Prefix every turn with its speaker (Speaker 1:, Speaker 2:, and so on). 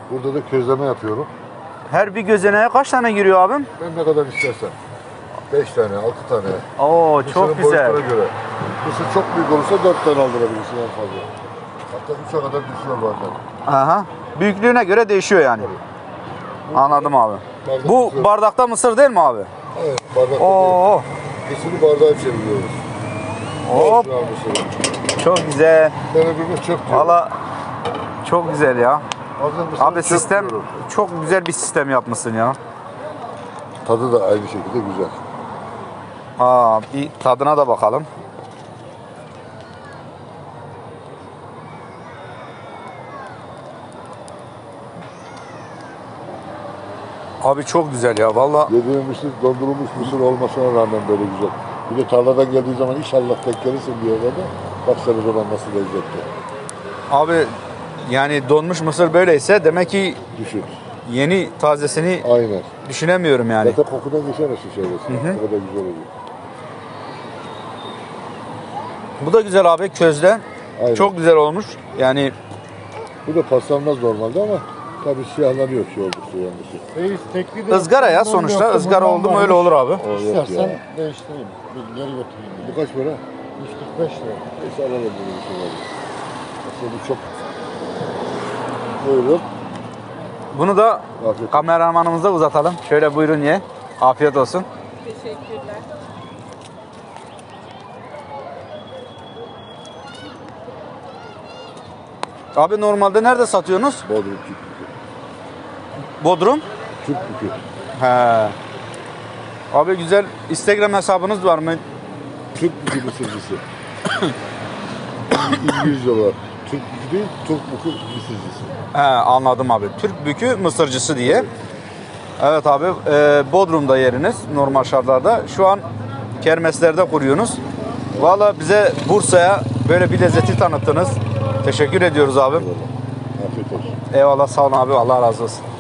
Speaker 1: Burada da közleme yapıyorum.
Speaker 2: Her bir gözeneğe kaç tane giriyor abim?
Speaker 1: Ben ne kadar istersen. 5 tane, 6 tane.
Speaker 2: Oo çok
Speaker 1: Mısırın
Speaker 2: güzel.
Speaker 1: boyutuna göre. Mısır çok büyük olursa 4 tane aldırabilirsin en fazla. Hatta 3'e kadar düşüyor bazen.
Speaker 2: Aha. Büyüklüğüne göre değişiyor yani. Anladım abi.
Speaker 1: Bardak
Speaker 2: Bu
Speaker 1: mısır.
Speaker 2: bardakta mısır değil mi abi?
Speaker 1: Evet, bardakta
Speaker 2: Oo.
Speaker 1: değil. Mısırı bardağa çeviriyoruz.
Speaker 2: Hop.
Speaker 1: Orijinal mısırı.
Speaker 2: Çok güzel.
Speaker 1: Ben öbürüne çöp diyorum.
Speaker 2: Valla çok güzel ya.
Speaker 1: Hazır mısırı
Speaker 2: Abi
Speaker 1: çöp
Speaker 2: sistem
Speaker 1: diyorum.
Speaker 2: çok güzel bir sistem yapmışsın ya.
Speaker 1: Tadı da aynı şekilde güzel.
Speaker 2: Aa, bir tadına da bakalım. Abi çok güzel ya valla.
Speaker 1: Yediğim mısır dondurulmuş mısır olmasına rağmen böyle güzel. Bir de tarladan geldiği zaman inşallah denk gelirsin diyorlar da. Bak sen o zaman nasıl lezzetli.
Speaker 2: Abi yani donmuş mısır böyleyse demek ki
Speaker 1: Düşün.
Speaker 2: yeni tazesini
Speaker 1: Aynen.
Speaker 2: düşünemiyorum yani.
Speaker 1: Zaten kokudan geçemezsin şeylesi. O kadar güzel oluyor.
Speaker 2: Bu da güzel abi közde.
Speaker 1: Aynen.
Speaker 2: Çok güzel olmuş. Yani
Speaker 1: Bu da paslanmaz normalde ama tabii siyahlanıyor şey oldukça yanlışı.
Speaker 3: Reis tekli de
Speaker 2: ızgara ya
Speaker 3: yaptım,
Speaker 2: sonuçta.
Speaker 3: yoksa
Speaker 2: Izgara
Speaker 3: bundan
Speaker 2: oldu mu
Speaker 3: varmış.
Speaker 2: öyle olur abi.
Speaker 1: O yok
Speaker 3: İstersen
Speaker 1: ya.
Speaker 3: değiştireyim. Bir geri götüreyim.
Speaker 1: Bu kaç para?
Speaker 3: 145 lira.
Speaker 1: Neyse alalım bunu bir şey var. Aslında bu çok... Buyurun.
Speaker 2: Bunu da
Speaker 1: Afiyet olsun.
Speaker 2: kameramanımıza uzatalım. Şöyle buyurun ye. Afiyet olsun.
Speaker 4: Teşekkürler.
Speaker 2: Abi normalde nerede satıyorsunuz?
Speaker 1: Bodrum Türk bükü.
Speaker 2: Bodrum.
Speaker 1: Türk bükü.
Speaker 2: He. Abi güzel Instagram hesabınız var mı?
Speaker 1: Türk bükü mısırcısı. İngilizce olarak. Türk bükü değil, Türk bükü mısırcısı.
Speaker 2: He, anladım abi. Türk Bükü Mısırcısı diye. Evet abi Bodrum'da yeriniz normal şartlarda. Şu an kermeslerde kuruyorsunuz. Valla bize Bursa'ya böyle bir lezzeti tanıttınız. Teşekkür ediyoruz abi.
Speaker 1: Afiyet olsun.
Speaker 2: Eyvallah sağ olun abi. Allah razı olsun.